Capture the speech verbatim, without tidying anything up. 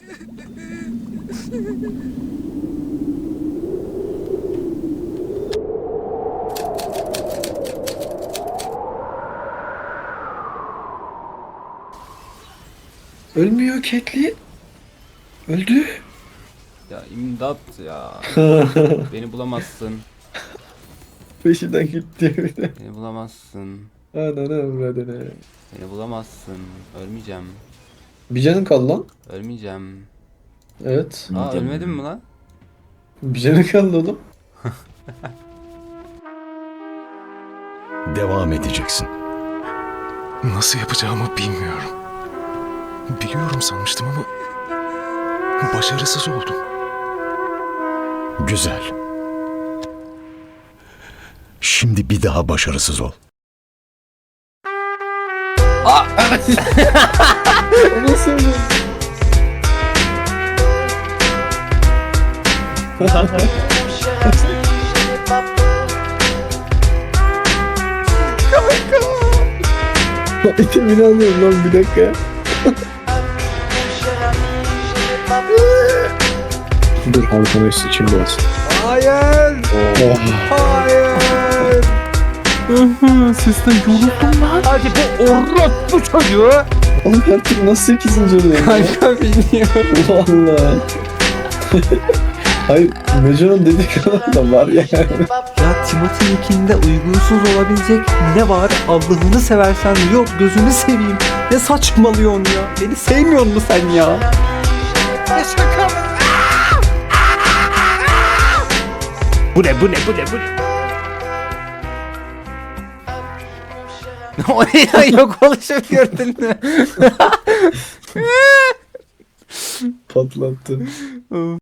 Ölmüyor Caitlyn. Öldü. Ya imdat ya. Beni bulamazsın. Peşinden gitti bir de. Beni bulamazsın. Ananı avradını. Beni bulamazsın. Ölmeyeceğim. Bir canın kaldı lan. Ölmeyeceğim. Evet. Aa ölmedin mi lan? Bir canın kaldı oğlum. Devam edeceksin. Nasıl yapacağımı bilmiyorum. Biliyorum sanmıştım ama başarısız oldum. Güzel. Şimdi bir daha başarısız ol. Nasıl öldü? İtimini alıyorum lan bir dakika. Dur halkana sıçayım biraz. Hayır. Oh. Hayır. Sesten yoruldum lan. Hadi bu orospu çocuğu. Oğlum her türlü nasıl sekizinci oluyor ya? Kanka bilmiyorum. Valla. Hayır, Mecan'ın dediği kadar da var ya. Ya Timothy ikinde uygunsuz olabilecek ne var? Allah'ını seversen yok gözünü seveyim. Ne saçmalıyorsun ya? Beni sevmiyor musun sen ya? Ne şaka mı? Bu ne bu ne bu ne bu ne? O ne ya, yok oluşup gördün mü? Patlattı.